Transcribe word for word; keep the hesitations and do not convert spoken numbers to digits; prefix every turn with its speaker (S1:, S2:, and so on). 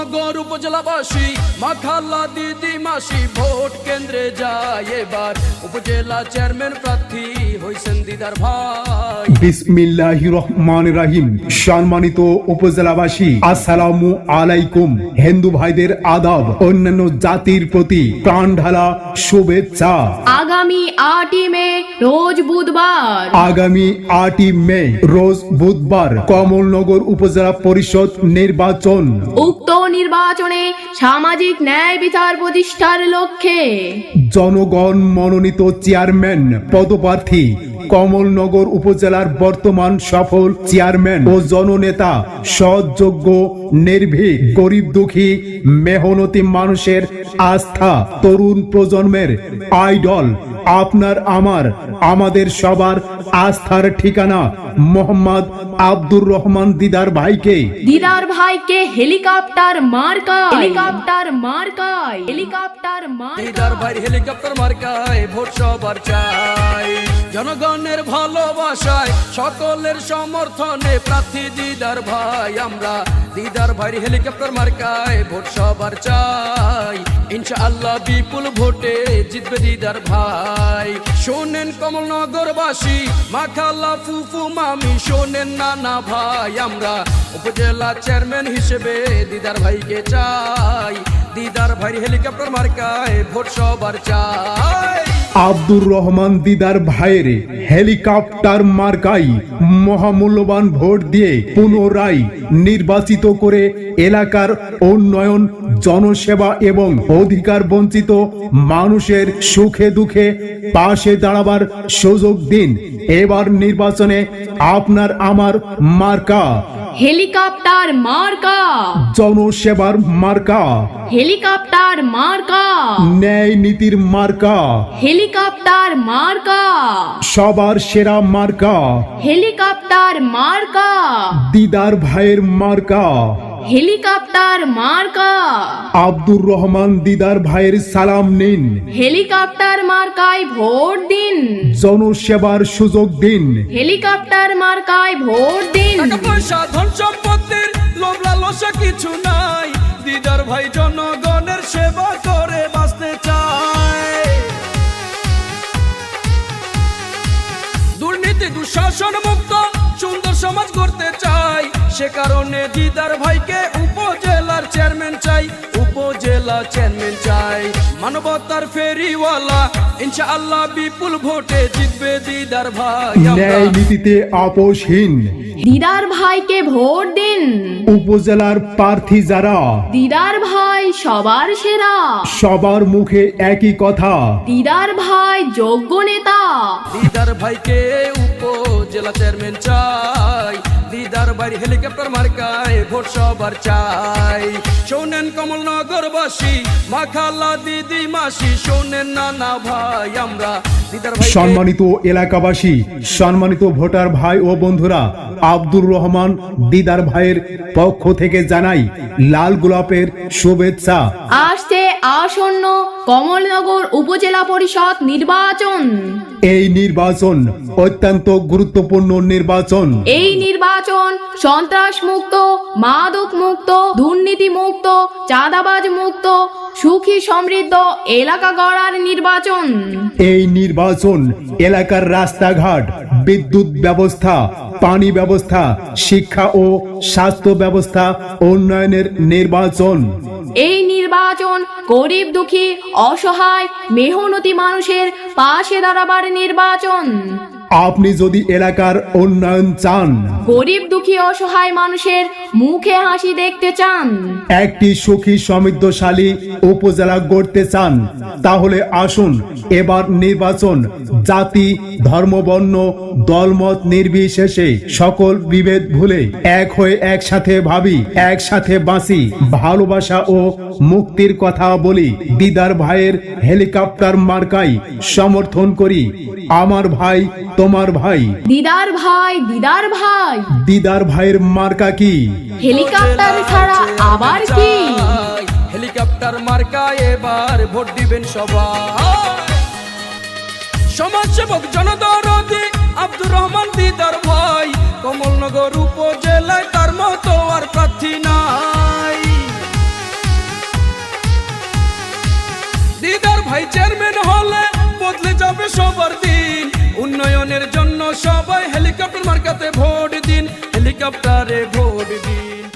S1: কমলনগর উপজেলাবাসী মাখাল্লা দিদি মাসি ভোট কেন্দ্রে যায় এবার উপজেলা চেয়ারম্যান প্রার্থী হইছেন দিদার ভাই।
S2: বিসমিল্লাহির রহমানির রহিম। সম্মানিত উপজেলাবাসী, আসসালামু আলাইকুম। হিন্দু ভাইদের আদাব, অন্যান্য জাতির প্রতি প্রাণ ঢালা শুভেচ্ছা।
S3: আগামী আটই মে রোজ বুধবার
S2: আগামী আটই মে রোজ বুধবার কমলনগর উপজেলা পরিষদ নির্বাচন।
S3: উক্ত নির্বাচনে সামাজিক ন্যায় বিচার প্রতিষ্ঠার লক্ষ্যে
S2: জনগণ মনোনীত চেয়ারম্যান পদপ্রার্থী কমলনগর উপজেলার বর্তমান সফল চেয়ারম্যান ও জননেতা সৎযোগ্য, নির্ভীক, গরিব দুঃখী, মেহনতি মানুষের আস্থা, তরুণ প্রজন্মের আইডল, আপনার আমার আমাদের সবার আস্থার ঠিকানা মোহাম্মদ আব্দুর রহমান দিদার ভাইকে
S3: দিদার ভাইকে হেলিকপ্টার মার্কায় হেলিকপ্টার মার্কায় হেলিকপ্টার মার্কায়
S1: দিদার ভাই হেলিকপ্টার মার্কায় ভোট সবার চাই। জনগণের ভালোবাসায় সকলের সমর্থনে প্রার্থী দিদার ভাই আমরা। দিদার ভাই হেলিকপ্টার মার্কায় ভোট সবার চাই। ইনশাআল্লাহ বিপুল ভোটে জিতবে দিদার ভাই। শোনেন কমলনগরবাসী, মাখাল্লা ফুফু মামি, শোনেন নানা ভাই আমরা উপজেলা চেয়ারম্যান হিসেবে দিদার ভাইকে চাই। দিদার ভাই হেলিকপ্টার মার্কায় ভোট সবার চাই।
S2: আব্দুর রহমান দিদার ভাইয়ের হেলিকপ্টার মার্কাই মহামূল্যবান ভোট দিয়ে পুনরায় নির্বাচিত করে এলাকার উন্নয়ন, জনসেবা এবং অধিকার বঞ্চিত মানুষের সুখে দুঃখে পাশে দাঁড়াবার সুযোগ দিন। এবার নির্বাচনে আপনার আমার মার্কা
S3: হেলিকপ্টার মার্কা,
S2: জনসেবার মার্কা,
S3: হেলিকপ্টার মার্কা,
S2: ন্যায় নীতির মার্কা,
S3: হেলিকপ্টার মার্কা,
S2: সবার সেরা মার্কা,
S3: হেলিকপ্টার মার্কা,
S2: দিদার ভাইয়ের মার্কা,
S3: হেলিকপ্টার মার্কা।
S2: আব্দুর রহমান দিদার ভাইয়ের সালাম নিন।
S3: হেলিকপ্টার মার্কায় ভোট দিন,
S2: জনসেবার সুযোগ দিন।
S3: হেলিকপ্টার মার্কায় ভোট দিন।
S1: টাকা পয়সা ধন সম্পত্তির লোভ লালসা কিছু নাই, দিদার ভাই জনগণের সেবা করে বাঁচতে চায়। দুর্নীতি দুঃশাসন মুক্ত সুন্দর সমাজ করতে চাই, সে কারণে দিদার ভাইকে উপজেলার চেয়ারম্যান চাই। উপজেলা চেয়ারম্যান চাই, মানবতার ফেরিওয়ালা, ইনশাআল্লাহ বিপুল ভোটে জিতবে দিদার ভাই।
S2: ন্যায় নীতিতে আপোষহীন
S3: দিদার ভাইকে ভোট দিন।
S2: উপজেলার প্রার্থী যারা,
S3: দিদার ভাই সবার সেরা,
S2: সবার মুখে একই কথা,
S3: দিদার ভাই যোগ্য নেতা।
S1: দিদার ভাইকে উপজেলা চেয়ারম্যান চাই। দিদার ভাই হেলিকপ্টার মার্কায় ভোট সবার চাই। শোনেন কমলনগরবাসী, মাখাল্লা দিদি মাসি, শোনেন নানা ভাই আমরা দিদার ভাই।
S2: সম্মানিত এলাকাবাসী, সম্মানিত ভোটার ভাই ও বন্ধুরা, আব্দুর রহমান দিদার ভাইয়ের পক্ষ থেকে জানাই লাল গোলাপের শুভেচ্ছা।
S3: আসছে আসন্ন কমলনগর উপজেলা পরিষদ নির্বাচন।
S2: এই নির্বাচন অত্যন্ত গুরুত্বপূর্ণ নির্বাচন।
S3: এই নির্বাচন সন্ত্রাস মুক্ত, মাদক মুক্ত, দুর্নীতি মুক্ত, চাঁদাবাজ মুক্ত, সুখী সমৃদ্ধ এলাকা গড়ার নির্বাচন।
S2: এই নির্বাচন এলাকার রাস্তাঘাট, বিদ্যুৎ ব্যবস্থা, পানি ব্যবস্থা, শিক্ষা ও স্বাস্থ্য ব্যবস্থা উন্নয়নের নির্বাচন।
S3: এই নির্বাচন গরিব দুঃখী অসহায় মেহনতি মানুষের পাশে দাঁড়াবার নির্বাচন।
S2: আপনি যদি এলাকার উন্নয়ন চান,
S3: গরিব দুঃখী অসহায় মানুষের মুখে হাসি দেখতে চান,
S2: একটি সুখী সমৃদ্ধশালী উপজেলা গড়তে চান, তাহলে আসুন এবার নির্বাচন জাতি, ধর্ম, বর্ণ, দলমত নির্বিশেষে সকল বিভেদ ভুলে এক হয়ে একসাথে ভাবি, একসাথে বাঁচি, ভালোবাসা ও মুক্তির কথা বলি। দিদার ভাইয়ের হেলিকপ্টার মার্কাই সমর্থন করি। আমার ভাই, তোমার ভাই।
S3: দিদার ভাই, দিদার ভাই।
S2: দিদার ভাইয়ের মার্কা কি?
S3: হেলিকপ্টার ছাড়া আবার কি?
S1: হেলিকপ্টার মার্কায় এবার ভোট দিবেন সবাই। সমাজসেবক জনদরদি আব্দুর রহমান দিদার ভাই, কমলনগর উপজেলায় তার মতো আর প্রার্থী নাই। ভাই চেয়ারম্যান হলে বদলে যাবে সবার দিন। উন্নয়নের জন্য সবাই হেলিকপ্টার মার্কাতে ভোট দিন, হেলিকপ্টারে ভোট দিন।